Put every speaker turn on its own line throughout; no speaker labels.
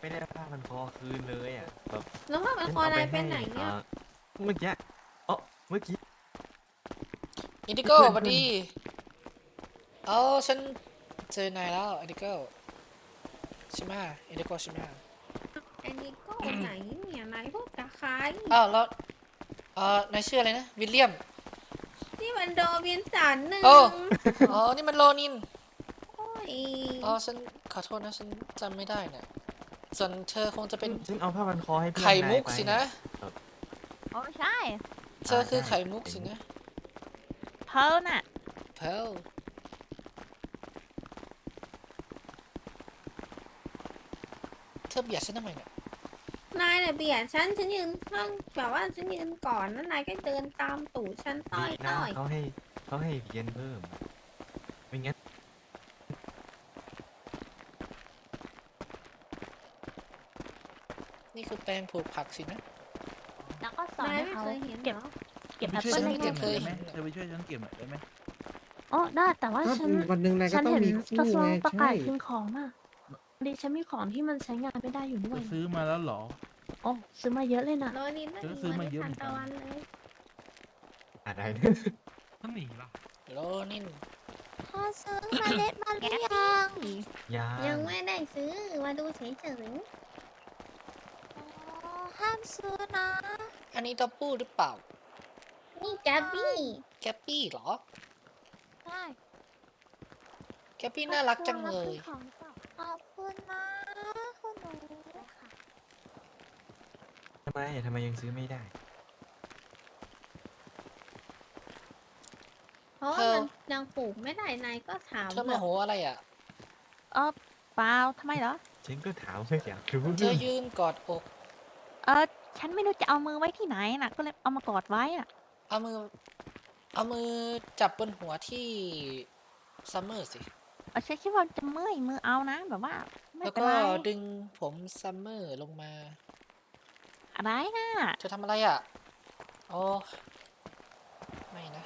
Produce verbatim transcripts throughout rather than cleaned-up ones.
ไม่ได้ผ้าพันคอคืนเลยอ่ะแบบ
แล้วผ้าพันคอนายไปไหนเนี่ย
เมื่อกี้อ๋อเมื่อกี้
อินดิโก้สวัส
เพื่อนเพื่อน
ดีเอาฉันเจอนายแล้วอินดิโก้ใช่ไหมอินดิโก้ใช่ไหม
ไอ้นี่ก็ไหนเนี่ยนายพูดกับใคร
อ้าวแล้วเอ่อนายชื่ออะไรนะวิลเลียม
นี่มันโดบินสันหนึ่ง
โอ้อ๋อนี่มันโรนิน
โอ้ย
อ๋อฉันขอโทษนะฉันจำไม่ได้เนี่ยส่วนเธอคงจะเป็น
ฉันเอาผ้าพันคอให้เพื่อน
ไข่มุก
นายไป
สินะ
โอ้ใช่
เธอคือไข่มุกสินะ
เพร์ลน่ะ
เพลเธอเบียดฉันทำไมเนี่ย
นายเนี่ยเบียดฉันฉันยืนข้างแบบว่าฉันยืนก่อนแล้วนายก็เดินตามตูดฉันต้
ดี
อย
นะ
ต้อย
เขาให้เขาให้เพียนเพิ่มไม่งั้น
นี่คือแปลงปลูกผักสินะ
แล้วก็สอน
นาย
ให้
ไม่
เขา
เคยเห็น
เก็บ
เหรอ
เก็บ
ไป
แอป
ช่วย
เปิ้ล
ฉัน
ได้
เก็
เก็
บบ
หน่อยได้ไหม
เคยเห็น
เธอไปช่วยฉันเก็บหน่อยได้ไหม
โอ้ได้แต่ว่า
ก็
ฉัน
วันหนึ่งนายก็
ฉัน
ต้อง
เห็น
มี
ก
คู่
ระทรวง
ไง
ประกา
ใช่
ศคืนของอ่ะดิฉันมีของที่มันใช้งานไม่ได้อยู่ด้ว
เธ
ย
อซื้อมาแล้วเหรอ
โอ้ซื้อมาเยอะเลยนะ
โรนินไม่
เออ
มี
ซื้อมา
วัน
เยอะ
ทัน
เหมือนกัน
ตะวันเลย
อะไรนะ
ต้องหนีล่ะ
โรนิน
พอซื้อเมล็ดมาหรือยัง
ยา
ยังไม่ได้ซื้อมาดูเฉย
อ๋อห้ามซื้อนะ
อันนี้ตัวปู้หรือเปล่า
ๆนี่แกบบี้
แกปปี้เหรอ
ได้
แกปปี้น่ารักจังเลย
ของหรือเปล่า
ขอบคุณนะคุณหนู
ทำไมทำไมยังซื้อไม่ได้
เพราะว่า
เธอ
มันยังปลูกไม่ได้นายก็ถาม
เธอโมโหอะไรอ่ะ
เออเปล่าทำไมเหรอ
ฉันก็ถามเพื่ออยากรู้
เธอยืนกอดอก
เออฉันไม่รู้จะเอามือไว้ที่ไหนน่ะ ก็เลยเอามากอดไว้น่ะ
เอามือ เอามือจับบนหัวที่ซัมเมอร์สิ
เออฉันคิดว่าจะเมื่อยมือเอานะแบบว่าไม่
แล้ว
เป็น
ก็
ไร
ดึงผมซัมเมอร์ลงมา
อะไรน่ะ
เธอทำอะไรอ่ะ โอ้ ไม่นะ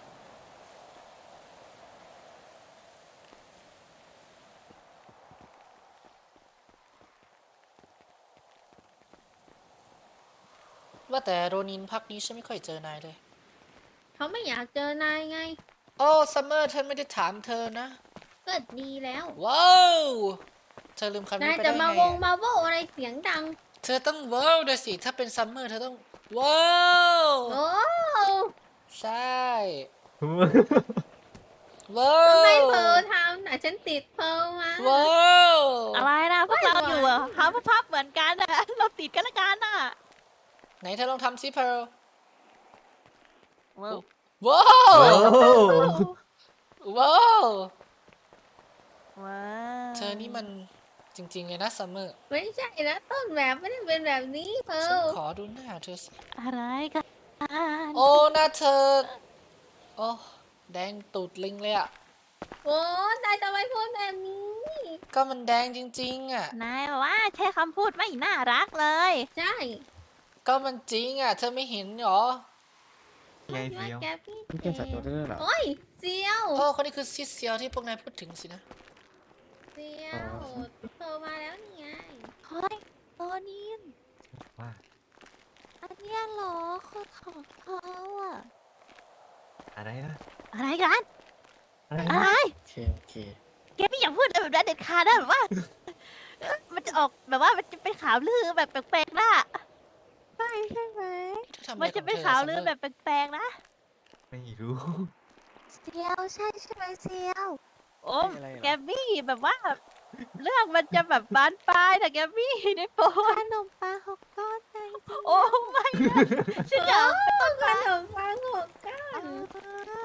ว่าแต่โรนินพักนี้ฉันไม่ค่อยเจอนายเลย
เขาไม่อยากเจอนายไง
โอ้ซัมเมอร์ฉันไม่ได้ถามเธอนะ
ก็ดีแล้ว
ว้าว เธอลืมคำ
นา
นี้
ย
ไป
จะ
ได้
มา
ไง
วง
อะ
มาโวอะไรเสียงดัง
เธอต้องว้าวด้วยสิ ถ้าเป็นซัมเมอร์เธอต้อง ว้าว
โอ้
ใช่ ว้า
ทำไม
ว
เพอทำน่ะฉันติดเพอมา
ว้าว
อะไรนะพวกเรา
ไม่ไหว
อยู่อะหาภาพเหมือนกันอะเราติดกันละกันน่ะ
ไหนเธอลองทำซิเพร์ล
ว้าว
ว้า
โอ้
ว ว้าว
ว้าว
เธอนี่มันจริงๆเลยนะซัมเมอร์
ไม่ใช่นะต้นแบบไม่ได้เป็นแบบนี้เพอ
ฉันขอดูหน้าเธอสิ
อะไรกัน
โอ้หน้าเธอ โอ้ แดงตูดลิงเลยอ่ะ
โอ้นายทำไมพูดแบบนี้
ก็มันแดงจริงๆอ่ะ
นายว่าใช้คำพูดไม่น่ารักเลย
ใช่
ก็มันจริงอ่ะ เธอไม่เห็นเหรอ
ไง
ว่า
เฟียว
แกพี่
นี่เกมสัตว์ตัวได้ด้วยเหรอ
โอ้ยเซียว
โอ้คนนี้คือซิสเซียวที่พวกนายพูดถึงสินะ
เซียวเพอมาแล้วนี่ไง
เฮ้ยโรนิน
ว่า
อันเนี้ยเหรอคนของเขาอ่ะ
อะไรนะ
อะไรกัน
อะไร
อะ
นะ
ไร
โอเคโอเค
แกไม่อยากพูดอะไรแบบนั้นเด็ดขาดนะแบบว่า มันจะออกแบบว่ามันจะเป็นข่าวลือแบบแปลกๆนะ
ใช่ใช่ไหม
เธอทำอะไร
มันจะ
ของ
เป็น
ธอ
ข่าว
ซัม
ลื
เม
อ
อร์
แบบแปลกๆนะ
ไม่รู้
เซียวใช่ใช่ไหมเซียว
โอ้แกมมี่แบบว่า เรื่องมันจะแบบบานปลายนะแกมมี่ในโปร
ขนมปังหกก้อนไงเซียว
โอ้ไม่นะฉันอยากเป็นต้น
ข
ไม้
นมปังหกก้า
เอน อ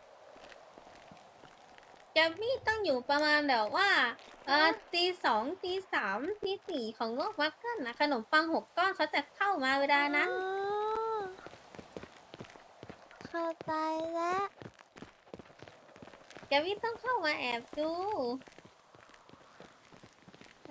แกมมี่ต้องอยู่ประมาณแบบว่าเออตีสองตีสามตีสี่ของโลกวักเกิลนะขนมปังหกก้อนเขาจะเข้ามาเวลานั้น
อ๋อเข้าใจแล้ว
แกมมี่ต้องเข้ามาแอบดู
ได้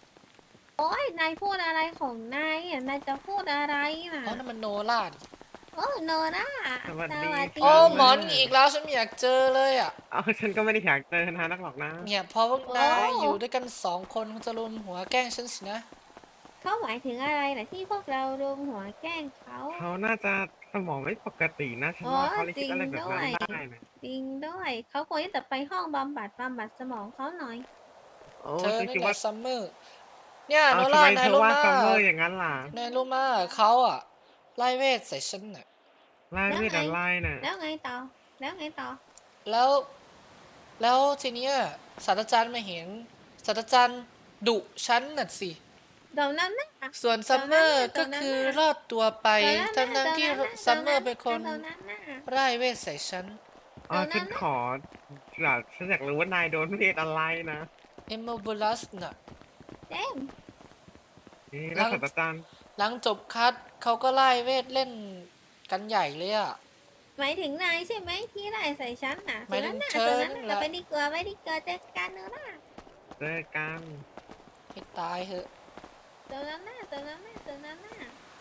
โอ้ยนายพูดอะไรของนายอ่ะนายจะพูดอะไรน่ะ
อ๋อนั่นมันโนล่าดิ
โโอ้โนนะ
สวัสดี
โอ้หมอนี่อีกแล้วฉันไม่อยากเจอเลยอ่ะ
เอาฉันก็ไม่ได้อยากเจอนานักหรอกนะ
เนี่ยพอพวกนายอยู่ด้วยกันสองคนคงจะรุมหัวแกล้งฉันสินะ
เขาหมายถึงอะไรล่ะที่พวกเรารวมหัวแกล้งเขา
เขาน่าจะสมองไม่ปกตินะฉันว่าเขาเลยคิดอะไรแบบนั้นได้นะ
จริงด้วยเขาควรจะไปห้องบำบัดบำบัดสมองเขาหน่อย
โอ้
เธอ
ฉัน
นี่
คิด
แห
ว่า
ละซัมเมอร์เนี่ย
เอา
โน
ทำ
ล่า
ไม
นา
เธ
ย
อ
รู้
ว่า
มา
ซัมเมอร์อย่างนั้นล่ะ
นายรู้มาเขาอ่ะไล่เวทใส่ฉันน่ะ
ไล่เวทอะไรน่ะ
แล้วไงต่อ แล้วไงต่อ
แล้ว แล้วทีเนี้ยศาสตราจารย์มาเห็นศาสตราจารย์ดุฉันน่ะสิ
เดี๋ยวนั้นนะ
ส่วนซัมเมอร์
ต
ก็
อนนั้นน่ะ
คือรอดตัวไป
เดี๋ยว
ทั้
นั้น
งทั้งๆที่
เดี๋ยวนั้น
ซัมเมอร์เป็นคน
เดี๋ยวนั้นน่ะ
ไล่เวทใส่ฉัน
อ๋อ
เดี๋ยวนั้น
ฉันขออยากฉันอยากรู้ว่านายโดนเวทอะไรนะ
เอมโมบูลัสน่ะ
เจมส์
นี่แล้วศาสตราจารย์
หลังจบคัดเขาก็ไล่เวทเล่นกันใหญ่เลยอ่ะ
หมายถึงนายใช่ไหมที่ไล่ใส่ฉันน่ะ
หมายถึง
ส่วนนั้น
เธอนั่
น่ะ
น
ส่วนนั้นน่ะ
แหละ
ไปดีกว่าไปดีกว่าเจอกันเนอะนะ
เจอกัน
ให้ตายเถอะ
เดี๋ยวนั้นน่ะเดี๋ยวนั้นน่ะเดี๋ยวนั้นน่ะ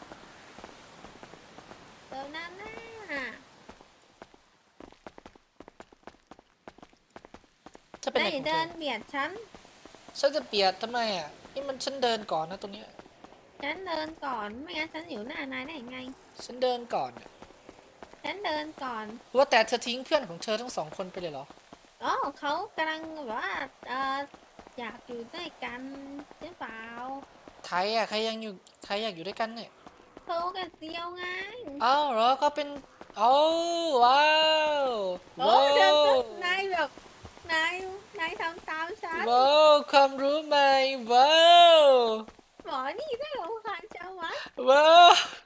เดี๋ยวนั้นน่ะ
จะเป็น
นา
อะไร
ย
ของเธ
เดิ
อน
เบียดฉัน
ฉันจะเปียดทำไมอ่ะ นี่มันฉันเดินก่อนนะตรงเนี้ย
ฉันเดินก่อน ไม่งั้นฉันอยู่หน้านายได้ยังไง
ฉันเดินก่อนน่ะ
ฉันเดินก่อน
ว่าแต่เธอทิ้งเพื่อนของเธอทั้งสองคนไปเลยเหรอ
อ๋อเขากำลังแบบว่าเอออยากอยู่ด้วยกันหรือเปล่า
ใครอ่ะ ใครยังอยู่ ใครอยากอยู่ด้วยกันเนี่ย
เขากันเดียวไง
อ้าวเหรอก็เป็นโอ้ว้าว
โอ้
ว้า
เดิน
ว
นายแบบนายนายทำตามฉัน
ว้าวความรู้ใหม่ว้าว
หมอนี่ได้รำคาญจังวะ
ว้าว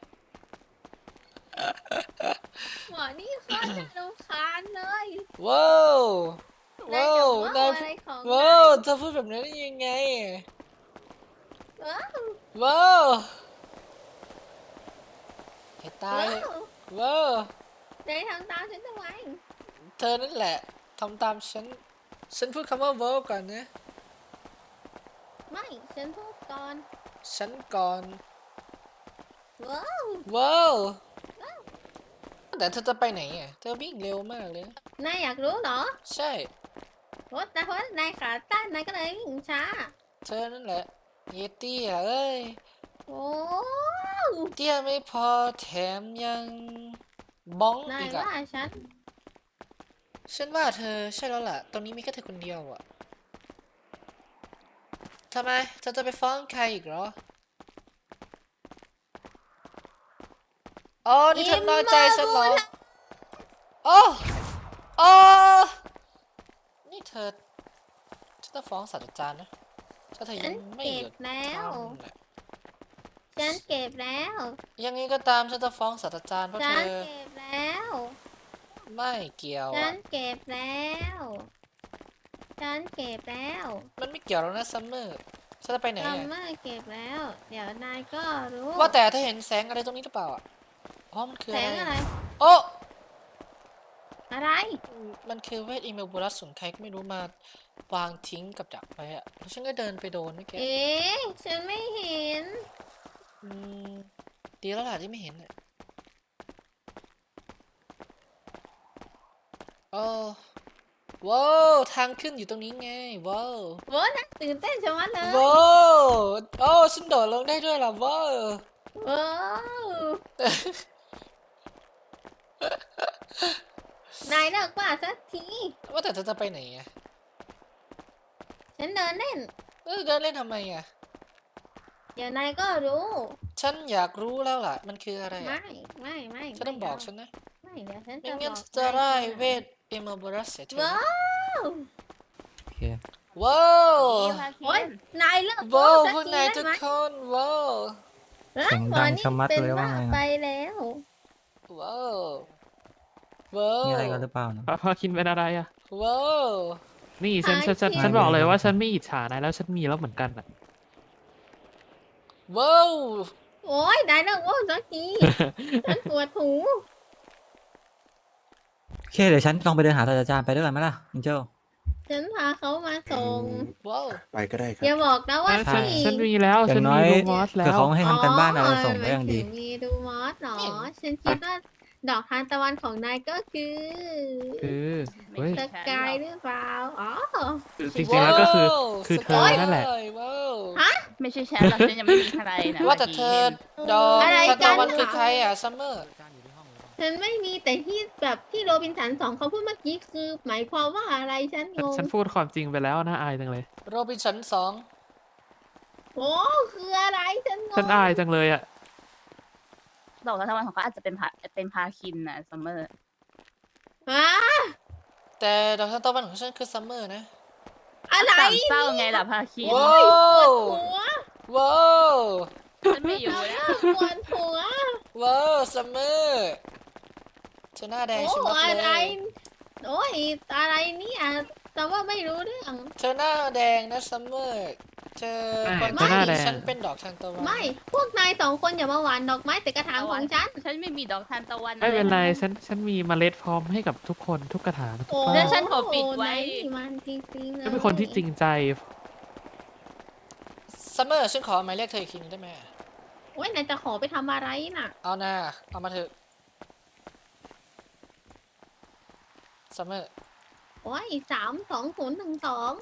หมอนี่โคตรน่ารำคาญเลย
ว้าว
นาย
ว้า
จะ
ว
เมา
าย
นอะไรของ
ว้าวเธอพูดแบบนั้นได้ยังไง
ว้าว
ว้าวให้ตาย
ว้า
เถอะ
ว
ว้าวน
ายทำตามฉันทำไม
เธอนั่นแหละทำตามฉัน ฉันพูดคำว่าว้าวก่อนนะ
ไม่ฉันพูดก่อน
ฉันก่อน
ว้าว
ว้าวแต่เธอจะไปไหนอ่ะ เธอวิ่งเร็วมากเลยนะ
นายอยากรู้เหรอ
ใช่
เพราะแต่เพราะนายขาตั้นนายก็เลยวิ่งช้า
เธอนั่นแหละเยตี้อ่ะเอ้ย
โอ้
เตี้ยไม่พอแถมยังบ้อง
นาย
อีกอ่ะ
ว่าฉัน
ฉันว่าเธอใช่แล้วล่ะ ตรงนี้มีแค่เธอคนเดียวอ่ะทำไม เธอจะไปฟ้องใครอีกเหรอ อ๋อ นี่เธอน้อยใจฉันเหรอโอ้โอ้นี่เธอ ฉันจะฟ้องศาสตราจารย์นะ ถ้าเธอ
ฉั
ยั
น
งไม่
เก็
หยุ
บ
ด
แล้ว
ทำน่ะ
ฉันเก็บแล้ว
ยังไงก็ตามฉันจะฟ้องศาสตราจารย์เพราะ
ฉั
เธ
น
อ
เก็บแล้ว
ไม่เกี่ยว
ฉั
อ่ะ
นเก็บแล้ว ฉันเก็บแล้ว
มันไม่เกี่ยวแล้วนะซัมเมอร์ฉันจะไปไหน
ซัม
อ่ะ
เมอร์เก็บแล้ว เดี๋ยวนายก็รู้
ว่าแต่เธอเห็นแสงอะไรตรงนี้หรือเปล่าอ่ะอ๋อมันคือ
แส
อะไร
งอะไร
โอ้
อะไร
มันคือเวทอีเมลบูรัสส่วนใครก็ไม่รู้มาวางทิ้งกับดักไว้อะแล้วฉันก็เดินไปโดนเมื่อกี้
เอ๊ะ ฉันไม่เห็น
อืมดีแล้วล่ะที่ไม่เห็นอะโอ้ว้าวทางขึ้นอยู่ตรงนี้ไงว้าว
โว้ยน่าตื่นเต้นชะมัดเลย
ว้าวโอ้ฉันโดดลงได้ด้วยล่ะว้าว
ว้าว นายเลิกว่าสักที
ว่าแต่เธอจะไปไหนอะ
ฉันเดินเล่น
เออเดินเล่นทำไมอะ
เดี๋ยวนายก็รู้
ฉันอยากรู้แล้วล่ะมันคืออะไร
ไม่
อะ
ไม่ ไม่
ฉันต้องบอกฉันนะ
ไม่เดี๋ยวฉัน
ไม่
จะ
งั้
บ
น
อก
จะไล่
นาย
เวทเอมบูรัสเสียเธอ
ว้าว
โอเค
ว้าว
โอ้ยนายเลิก
ว้าว
สั
พวก
ที
นาย
ได้
ทุก
ไหม
คนว้าว
แล้ว
เสียง
หม
ดั
อง นี่
ชะมัด
เป็น
เลยว่า
บ้า
ไง
ไป
นะ
แล้ว
ว้าวว้าว
มีอะไรกันหรือเปล่านะ
พาคินเป็นอะไรอ่ะ
ว้าว
นี่ฉันฉันฉัน
พาคิน
ฉันบอกเลยว่าฉันไม่อิจฉานายแล้วฉันมีแล้วเหมือนกันอ่ะ
ว้าว
โอ้ยนายเลิกโอ้สักที ฉันปวดหู
โอเคเดี๋ยวฉันลองไปเดินหาศาสตราจารย์ไปด้วยกันไหมล่ะอินเจล
ฉันพาเขามาส่ง
ว้าว
ไปก็ได้ครั
อย่า
บ
บอกนะว่า
ฉัน
ที่
ฉันมีแล้ว
อย่า
ฉัน
งน้
มี
อย
ลูมอสแล้
เผื่อ
ว
เขาไม่ให้ทำกันบ้านอะไรส่งก็ยังดี
หมายถึมีดูมอสเหรอ ฉันคิดว่าดอกทานตะวันของนายก็คือ
คือเฮ้ย
สกายหรือเปล่าอ๋อ
จริงๆแล้วก็คือคือเธอนั่นแหละ
ว้าว
ไม่ใช่แชมป์หรอกฉันยังไม่มีใครนะ
ว่าแต่เธอดอก
อะไร
ทาน
กั
ตะ
น
วันคือใครอ่ะซัมเมอร์
ฉันไม่มีแต่ที่แบบที่โรบินสันสองเขาพูดเมื่อกี้คือ หมายความว่าอะไรฉันงง
ฉันพูดความจริงไปแล้วน่าอายจังเลย
โรบินสันสอง
โอ้คืออะไรฉันงง
ฉันอายจังเลยอ่ะ
ดอกทานตะวันของเขาอาจจะเป็นพาเป็นพาคินนะซัมเมอร์
ฮะ
แต่ดอกทานตะวันของฉันคือซัมเมอร์นะ
อะไร
สามเศร้าไงล่ะพาคิน
ว้าว
หัว
ว้าว
ฉันไม่อยู่แล้ว
ปวดหัว
ว้าวซัมเมอร์เธอหน้าแดง
โอ้
ใช่ไหม
อะไร
เลย
โอ้ยอะไรเนี่ยแต่ว่าไม่รู้เรื่อง
เธอหน้าแดงนะซัมเมอร์เธอ
ไม่
คน
เธอหน้าแดง
ฉันเป็นดอกทานตะวัน
ไม่ พวกนายสองคนอย่ามาหวานดอกไม้แต่กระถางของฉัน
ฉันไม่มีดอกทานตะวัน
ไม่เป็นไร
อะ
ฉันฉันมีเมล็ดพร้อมให้กับทุกคนทุกกระถางทุก
โอ้
บ้า
แล้
น
วฉันขอปิดไว้
นายนี่มันจริงๆเลย
ฉันเป็นคนที่จริงใจ
ซัมเมอร์ฉันขอหมายเลขเธออีกทีนึงได้ไหม
โอ้ยนายจะขอไปทำอะไรน่ะ
เอาหน้าเอามาเถอะซัมเมอร์
โอ้ยสามสองศูนย์หนึ่งสอง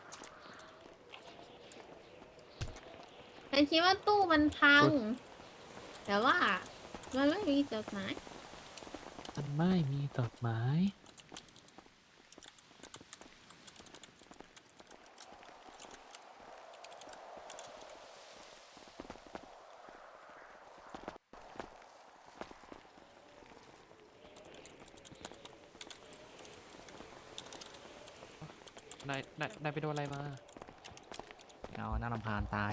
ฉันคิดว่าตู้มันพัง แต่ว่า มันไม่มีจดหมาย
มันไม่มีดอกไม้ นายนายนายไปโดนอะไรมา
เอาหน้ารำพานตาย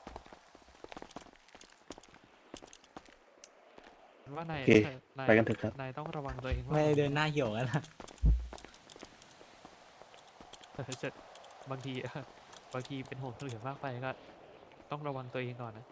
ว่านาย
โอเค
นาย
ไปกันเถอะครับ
นายต้องระวังตัวเอง
ไม่ได้เดินหน้าเหี่ยวกันนะ
เออจะบางที บางทีเป็นห่วงคนอื่นมากไปก็ต้องระวังตัวเองก่อนนะ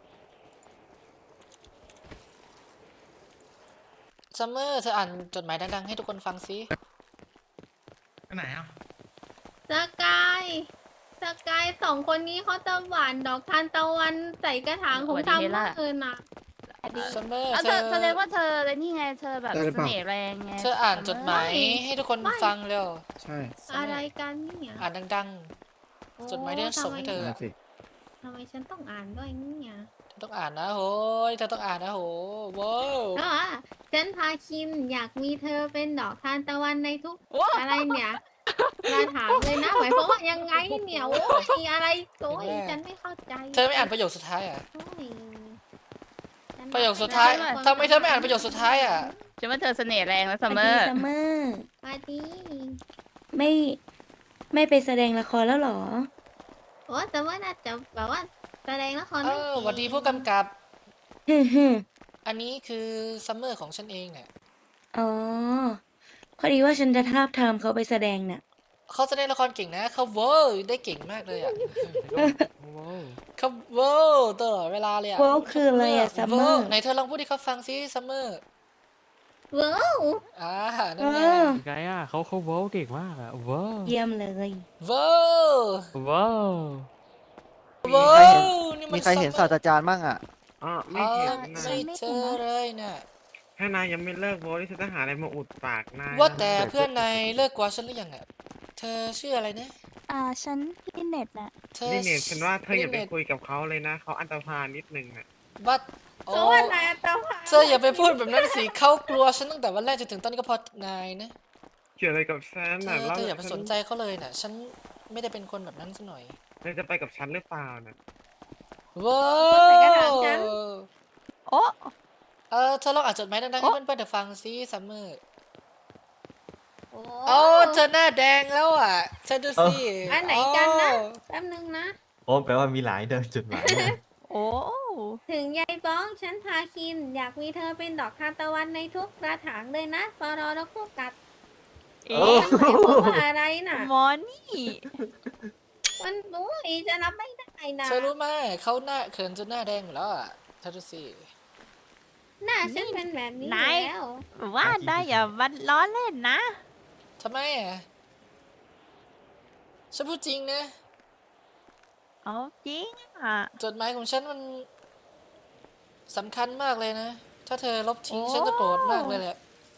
ซัมเมอร์เธออ่านจดหมายดังๆให้ทุกคนฟังสิ
ไปไหนอ่ะ
สกายสกายสองคนนี้เขาจะหวานดอกทานตะวันใส่กระถางของทำเมื่อคืนน่ะ
ซัมเมอร์
เอา
เธ
เธอ
อ
แสดงว่าเธอเลยนี่ไงเธอแบบ
ได้หรือ
เส
เปล่า
น่ห์แรงไง
เธออ่านจดหมาย
ไม่
ให้ทุกคน
ไม่
ฟังเร็ว
ใช่
อะไรกันเนี่ย
อ่านดัง
โอ้
จดหมายที่ฉันส่งให้เธอ
นั่นสิ
ทำไมฉันต้องอ่านด้วยเนี่ย
ๆเธอต้องอ่านนะโหยเธอต้องอ่านนะโหว้าว
ก็ว่าฉันพาคินอยากมีเธอเป็นดอกทานตะวันในทุกอะไรเนี่ยมาถามเลยนะหมายความว่ายังไงเนี่ยโอ้ยอะไรโอ้ยฉันไม่เข้าใจ
เธอไม่อ่านประโยคสุดท้ายอ่ะ
โอ้ยฉัน
ประโยคสุดท้าย
ไม่
ทำไมเธอไม่อ่านประโยคสุดท้ายอ่ะ
ฉันว่าเธอเสน่ห์แรงนะซัมเมอ
ดี
ร์
ซัมเมอร์
สวัสดี
ไม่ไม่ไปแสดงละครแล้วเหรอ
โอ้แต่ว่าน่าจะแบบว่าแสดงละคร
เอ
ไม่
อ
เก่ง
หวัดดีผู้กำกับ
ฮึมฮึม
อันนี้คือซัมเมอร์ของฉันเองเนี่ย
อ๋อ พอดีว่าฉันจะทาบทามเขาไปแสดงน่ะ
เขาแสดงละครเก่งนะเขาเวอร์ได้เก่งมากเลยอ่ะ
ว้าว
เขาเวอร์ตลอดเวลาเลยอ่ะ
เวอร์คืออะไรอะ Summer
ไหนเธอลองพูดให้เขาฟังสิซัมเมอร์
เว้าว
อ่านั่
เอน
ไง
อ
ไงอ่ะเขาเขาว้าวเก่งมากอ่ะว้าว
เยี่ยมเลย
เวอร์
ว้าว
เวอร์นี่มัน
มีใครเห็นศาสตราจารย์บ้างอ่ะ
อ๋อ
เอ
ไม่เห็น
อ
นะ
ใช่เธอเลยน่ะ
ถ้านายยังไม่เลิกโว้ที่ฉันจะหาอะไรมาอุดปากนาย
ว่า
นะ
แต่เพื่อนนายเลิกกว่าฉันหรือยังอ่ะ เธอชื่ออะไรนะ
อ่า ฉันพี่เน็ตน่ะ
เธอ
นี่เนี่ยฉันว่าเธออย่าไป
ลิเนต
คุยกับเขาเลยนะ เขาอันตรพานนิดนึงน่ะ
ว่าโอ้
โอ้ยนายตาผา
เธออย่าไปพูดแบบนั้นสิเขากลัวฉันตั้งแต่วันแรกจนถึงตอนนี้ก็เพอนายนะ
เกี่ยวอะไรกับฉัน
เธ
น่ะ
อ
แล้ว
เธออย่าไปสนใจเขาเลยน่ะ ฉันไม่ได้เป็นคนแบบนั้นซะหน่อย
เธอจะไปกับฉันหรือเปล่าน่ะ
ว้า
ใส่กระถางฉัน
ว
โอ้
เออเธอลองอ่านจดหมายดังๆให้เพื่อนๆเธอฟังสิซัมเมอร์
โอ้
โอ้เธอหน้าแดงแล้วอ่ะเธอดูสิ
อันไหนกันนะ
โอ้
แป๊บนึงนะ
โอ้แปลว่ามีหลายเดินจุดหมายเลย
โอ้
ถึงยายบ้องฉันพาคิน อยากมีเธอเป็นดอกทานตะวันในทุกกระถางเลยนะปรอแล้วก็กัด
เอ๊
โอ้
ะ
มันหมายความว่าอะไรน่ะ
มอนี่
มันโอ้ยจะรับไม่ได้นะ
เธอรู้ไหมเขาหน้าเขินจนหน้าแดงหมดแล้วอ่ะเธอดูสิ
หน้าฉันเป็นแบบนี้
นาย
แล้ว
ว่าได้อย่ามันล้อเล่นนะ
ทำไมอ่ะฉันพูดจริงนะ
เอาจริงอ่ะ
จดหมายของฉันมันสำคัญมากเลยนะ ถ้าเธอลบทิ้ง
โอ้
ฉันจะโกรธมากเลยแหละ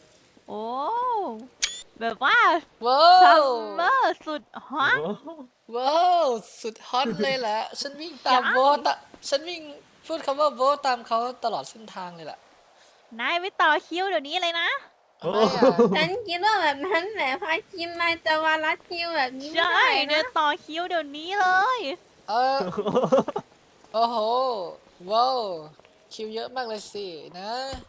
โอ้ แบบว่า
ว้า
ซัม
ว
เมอร์สุดฮอต
โอ้โห
ว้าวสุดฮอตเลยแหละ ฉันวิ่งตาม
ใช่
โบทอะฉันวิ่งพูดคำว่าโบทตามเขาตลอดเส้นทางเลยแหละ
นายไปต่อคิวเดี๋ยวนี้เลยนะ
ทำไมอะ
ฉันคิดว่าแบบนั้นแหละพาคิมนายจะมารัดคิวแบบนี้ไม่
ใช่
ได้
เนี่
นะ
ยต่อคิวเดี๋ยวนี้เลย
เออโอ้โหว้าวคิวเยอะมากเลยสินะ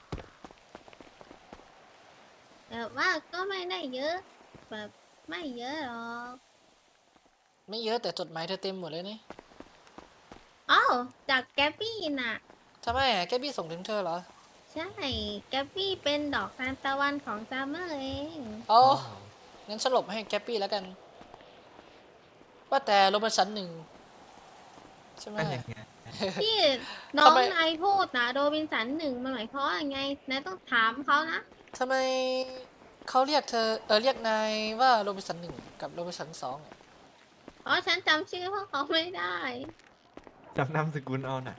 แบบว่าก็ไม่ได้เยอะ แบบไม่เยอะหรอก
ไม่เยอะแต่จดหมายเธอเต็มหมดเลยนี่
อ้าวจากแกปปี้น่ะ
ทำไมอะแกบี้ส่งถึงเธอเหรอ
ใช่ แกปปี้เป็นดอกทานตะวันของซัมเมอร์เอง
อ๋องั้นฉันหลบให้แกปปี้แล้วกัน ว่าแต่โรเบิร์ตสันหนึ่งใช่ไหม
เป็นยังไง
ที่น้อ
ทำ
ง
ไม
นายพูดนะโรบินสันหนึ่งมันหมายความว่าไงนายต้องถามเขานะ
ทำไมเขาเรียกเธอเออเรียกนายว่าโรเบิร์ตสันหนึ่งกับโรเบิร์ตสันสองอะ
เพราะฉันจำชื่อพวกเขาไม่ได้
จำนามสกุลเอาน่ะ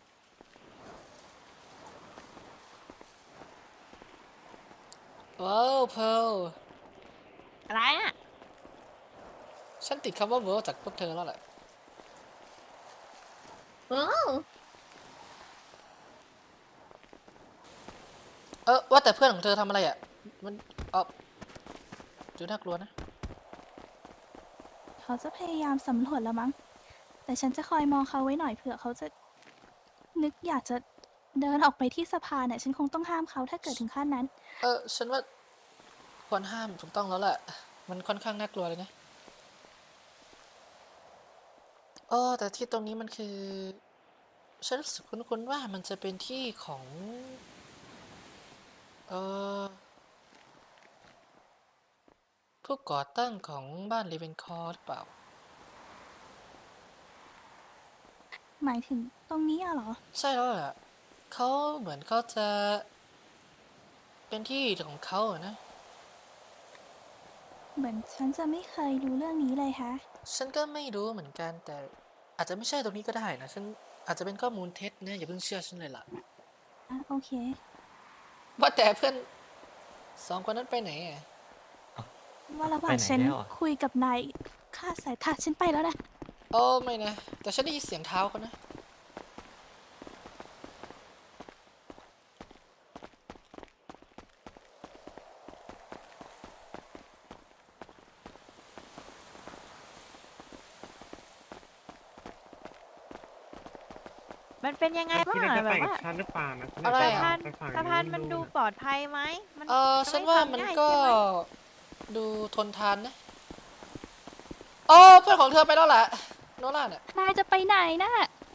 ว้าวเพร์ล
อะไรอ่ะ
ฉันติดคำว่าเวิร์จากพวกเธอแล้วแหละ
โอ้
เออว่าแต่เพื่อนของเธอทำอะไรอ่ะ มันเออดูน่ากลัวนะ
เขาจะพยายามสำรวจแล้วมั้ง แต่ฉันจะคอยมองเขาไว้หน่อยเผื่อเขาจะนึกอยากจะเดินออกไปที่สะพานเนี่ยฉันคงต้องห้ามเขาถ้าเกิดถึงขั้นนั้น
เออฉันว่าควรห้ามถูกต้องแล้วแหละ มันค่อนข้างน่ากลัวเลยนะอ๋อแต่ที่ตรงนี้มันคือ ฉันรู้สึกคุ้นๆว่ามันจะเป็นที่ของ เออผู้ก่อตั้งของบ้านเลเวนคอร์หรือเปล่า
หมายถึงตรงนี้อะเหรอ
ใช่แล้วแหละเขาเหมือนเขาจะ เป็นที่ของเขาอะนะ
เหมือนฉันจะไม่เคยรู้เรื่องนี้เลยฮะ
ฉันก็ไม่รู้เหมือนกัน แต่อาจจะไม่ใช่ตรงนี้ก็ได้นะ ฉันอาจจะเป็นข้อมูลเท็จนะอย่าเพิ่งเชื่อฉันเลยล่ะ
อ่ะโอเค
ว่าแต่เพื่อนสองคนนั้นไปไหนอ่ะ
ว่าระหว่า
ไป
ง
ไหน
ฉัน
แล้วอะ
คุยกับนายค่าดสายตาฉันไปแล้วนะ
โอ้ไม่นะ แต่ฉันได้ยินเสียงเท้าเขานะ
มันเป็นยังไง
คิ
บ้า
ด
ง
ว่า
อะ
จะ
แบ
ไป
บ
กับ
ว่า
ฉันหรือเปล่านะฉัน
อะไร
อยาก
อะ
จะ
สะพาน
ไปฝั่ง
สะพานมันดู
ะ
ปลอดภัยไหมมัน
เออ
จะ
ฉัน
ไ
ว่ามัน
ทำง่ย
ก็
ใช่ไหม
ดูทนทานนะโอ้เพื่อนของเธอไปแล้วแหละโนล่าเนี่ย
นายจะไปไหนนะ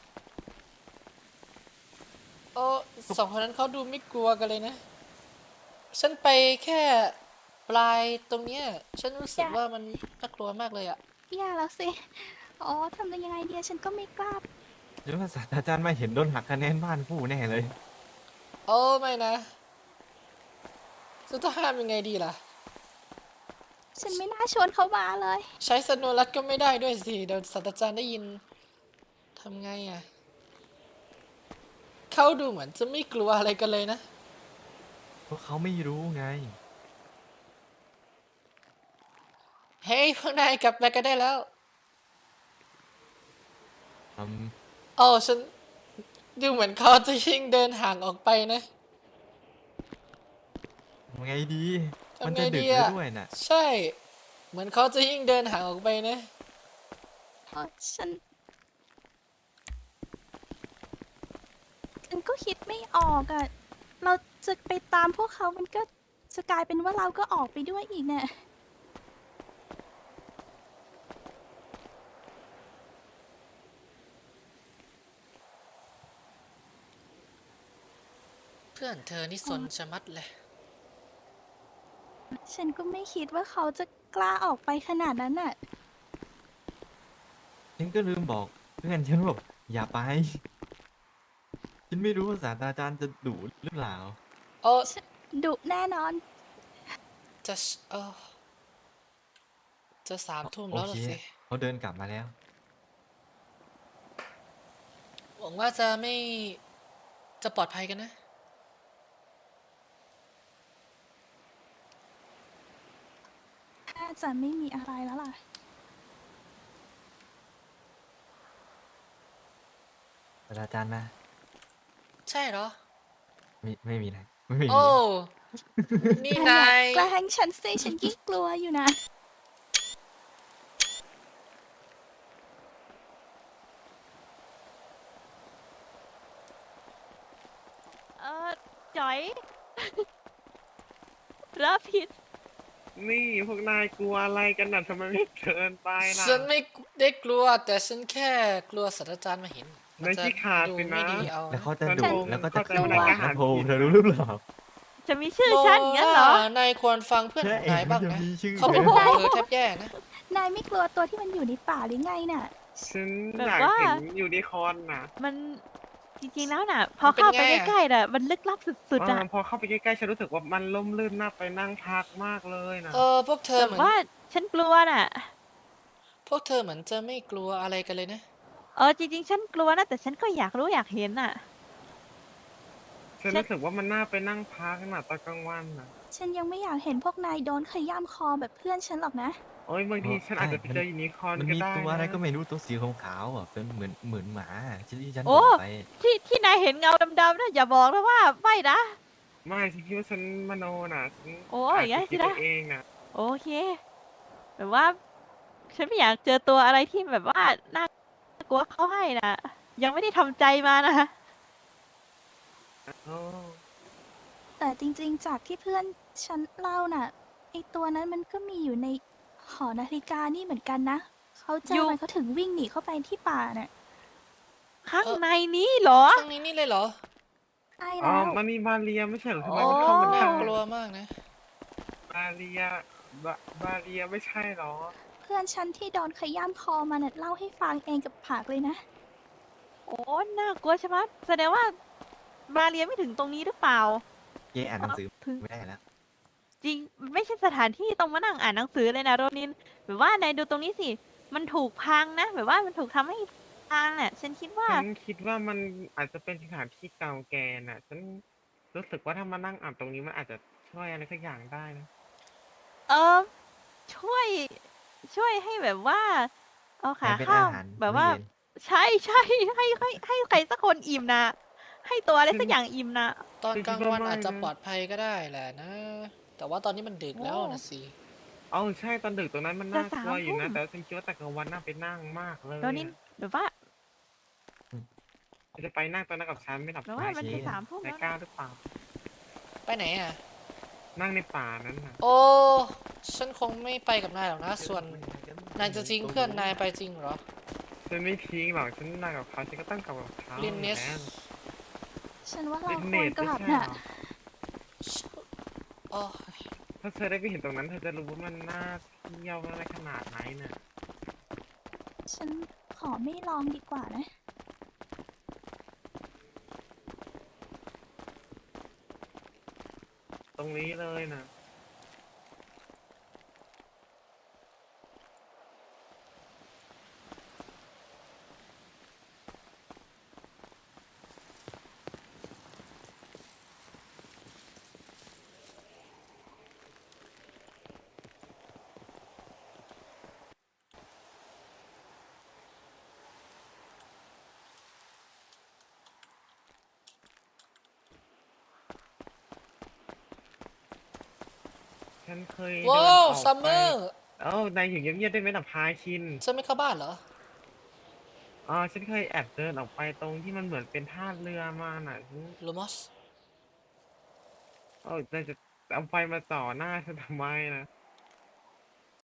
โอ้สองคนนั้นเขาดูไม่กลัวกันเลยนะ ฉันไปแค่ปลายตรงเนี้ย ฉันรู้สึก
อย่า
ว่ามันน่ากลัวมากเลยอะ
อย่าแล้วสิ อ๋อทำยังไงเดียฉันก็ไม่กล้า
หรือว่าศาสตราจารย์มาเห็นโดนหักคะแนนบ้านผู้แน่เลย
โอ้ไม่นะจะต้องห้ามยังไงดีล่ะ
ฉันไม่น่าชวนเขามาเลย
ใช้สโนรัตก็ไม่ได้ด้วยสิ เดี๋ยวศาสตราจารย์ได้ยินทำไงอะเขาดูเหมือนจะไม่กลัวอะไรกันเลยนะ
เพราะเขาไม่รู้ไง
เฮ้ยพวกนายกลับไปกันได้แล้ว
อืม
โอ้ฉันดูเหมือนเขาจะยิ่งเดินห่างออกไปนะ
ทำไงดี
ทำไง
มันจะดึก
ดี
แล้ว
อะ
ด้วยน่ะ
ใช่ เหมือนเขาจะยิ่งเดินห่างออกไปนะ
เพราะฉัน ฉันก็คิดไม่ออกอะ่ะ เราจะไปตามพวกเขามันก็จะกลายเป็นว่าเราก็ออกไปด้วยอีกเนี่ย
เพื่อนเธอนี่สนชะมัดเลย
ฉันก็ไม่คิดว่าเขาจะกล้าออกไปขนาดนั้นน่ะ
ฉันก็ลืมบอกเพื่อนฉันบอกอย่าไป ฉันไม่รู้ว่าศาสตราจารย์จะดุหรือเปล่า
โอ้
ดุแน่นอน
จะเออจะสามทุ่ม
โอ
แล้ว
เค
ล่ะสิ
เขาเดินกลับมาแล้ว
หวังว่าจะไม่จะปลอดภัยกันนะ
น่าจะไม่มีอะไรแล้วล่ะ
ศาสตราจารย์มา
ใช่เหรอ
ไม่ไม่มีอะไรไม่มี
โอ้ นี่นาย
แกล้งฉันสิฉันยิ่งกลัวอยู่นะ
เออจ๋อย รับผิด
นี่พวกนายกลัวอะไรกันน่ะทำไมไม่เดินไปล่ะ
ฉันไม่ได้กลัว แต่ฉันแค่กลัวศาสตราจารย์มาเห็นมั
นาย
จะ
ขี้ขาด
ดู
สินะ
ไม่ดีเอา
แล้ว
นะ
เขาจะ
ฉัน
ดุ
คง
แล้วก็จะ
เข้าใจ
ข
ว่า
นาด
นายกล้า
นะ
หาญ
โพงเธอรู้หรือเปล่า
จะมีชื่อฉันอย่างนั้นเหรอ
นายควรฟังเพื่อนของนายบ้าง
ใช่
นะ
มันจะมีชื่อ
เขาเป็น
ด้วย
ห่วงเธอแทบแย่นะ
นายไม่กลัวตัวที่มันอยู่ในป่าหรือไงน่ะ
ฉัน
แบบ
อยาก
ว่า
เห็นยูนิคอร์นน่ะ
มันจริงๆแล้วน่ะ พอเข้าไปใกล้ๆน่ะ มันลึกลับสุดๆ
เอ
อ่ะ
อพอเข้าไปใกล้ๆฉันรู้สึกว่ามันล่มลื่นน่าไปนั่งพักมากเลยนะ
เออ พวกเธอ
แต่
เหมือน
ว่าฉันกลัวน่ะ
พวกเธอเหมือนจะไม่กลัวอะไรกันเลยนะ
เออจริงๆ ฉันกลัวนะ แต่ฉันก็อยากรู้อยากเห็นน่ะ
ฉันรู้สึกว่ามันน่าไปนั่งพักน่ะตอนกลางวันน่ะ
ฉันยังไม่อยากเห็นพวกนายโดนขย้ำคอแบบเพื่อนฉันหรอกนะ
โอ้ยบางทีฉันอาจจะไปเจอยูนิคอร์น
มัน
ก็
มี
ได้
ตัวอะไร
นะ
ก็ไม่รู้ตัวสีขาวๆอ่ะเป็นเหมือนเหมือนหมาที่ที่ฉัน
โอ้
บอกไป
ที่ที่นายเห็นเงาดำๆนะอย่าบอกนะว่าไม่นะ
ไม่ฉันคิดว่าฉันมโนน่ะฉัน
โอ้
อาจ
อย่างงั้
จะ
น
คิ
สิ
ด
นะ
ไปเองน่ะ
โอเคแบบว่า ฉันไม่อยากเจอตัวอะไรที่แบบว่าน่ากลัวเขาให้นะยังไม่ได้ทำใจมานะ
โอ้
แต่จริงๆ จากที่เพื่อนฉันเล่าน่ะ ไอตัวนั้นมันก็มีอยู่ในหอนาฬิกานี่เหมือนกันนะ เขาเจ
อยู่
อมันเขาถึงวิ่งหนีเข้าไปที่ป่าน่ะ
ข้างในนี้เหรอ
ข้างนี้นี่เลยเหรอ
ใช่
อ๋อ
แล้ว
มันมีบาเรียไม่ใช่เหรอทำไม
โอ้
มันเข้ามาได้
กลัวมากนะ
บาเรียบาบาเรียไม่ใช่เหรอ
เพื่อนฉันที่โดนขย้ำคอมันน่ะเล่าให้ฟังเองกับปากเลยนะ
โอ้น่ากลัวใช่ไหมแสดงว่ามาเรียนไม่ถึงตรงนี้หรือเปล่า
เย่อ่านหนังสือ
ถึง
ไม่ได้แล้ว
จริงมันไม่ใช่สถานที่ต้องมานั่งอ่านหนังสือเลยนะโรนินแบบว่านายดูตรงนี้สิ มันถูกพังนะ แบบว่ามันถูกทำให้พังน่ะ ฉันคิดว่า
ฉันคิดว่ามันอาจจะเป็นสถานที่เก่าแก่น่ะ ฉันรู้สึกว่าถ้ามานั่งอ่านตรงนี้มันอาจจะช่วยอะไรสักอย่างได้นะ
เออช่วยช่วยให้แบบว่า เอาขา
เป็น
ข้า
อาว หาร
แบบว่า
มื้อเย็น
ใช่ใช่ให้ให้ให้ใครสักคนอิ่มนะให้ตัวอะไรสักอย่างอิ่มนะ
ตอน
คือ
กลาง
คิดว่า
วัน
ไม่
อาจจะ
นะ
ปลอดภัยก็ได้แหละนะ แต่ว่าตอนนี้มันดึกแล้ว
โอ้
นะสิ
เอ๋อใช่ตอนดึกตรงนั้นมัน
จะ
น่ากลัว
สาม
อยู่นะ
ทุ่ม
แต่ว่าฉันคิดว่าแต่กลางวันน่าไปนั่งมากเลย
โรนินแบบว่า
จะไปนั่งตอนนั้นกับฉันไม่หลับ
แบบว่ามัน
โอเค
จะสามทุ่ม
นาย
แล้ว
กล้า
นะ
หรือเปล่า
ไปไหนอ่ะ
นั่งในป่านั้นน่ะ
โอ้ ฉันคงไม่ไปกับนายหรอกนะ ส่วนนายจะทิ้งเพื่อนนายไปจริงเหรอ
ฉันไม่ทิ้งหรอกฉันนั่งกับเขาฉันก็ต้องกลับกับเขา
ลินเนส
แล้ว
ฉันว่าเรา
ลิน
ค
เน
วร
ส
ก
ไม่
ลับ
ใช่
น่ะ
เหรอ
โอ้
ถ้าเธอได้ไปเห็นตรงนั้นเธอจะรู้ว่ามันน่าเที่ยวอะไรขนาดไหนน่ะ
ฉันขอไม่ลองดีกว่านะ
ตรงนี้เลยนะ ฉันเคยเดิน
ว้า
อ
ว
อก
ซัมเม
ไป
อร์
เอ้านายอยู่เงียบๆได้ไหมล่ะพาคิน
ฉันไม่เข้าบ้านเหรอ
อ๋อฉันเคยแอบเดินออกไปตรงที่มันเหมือนเป็นท่าเรือมาน่ะฉัน
ลูมอส
เออนายจะเอาไฟมาจ่อหน้าฉันทำไมนะ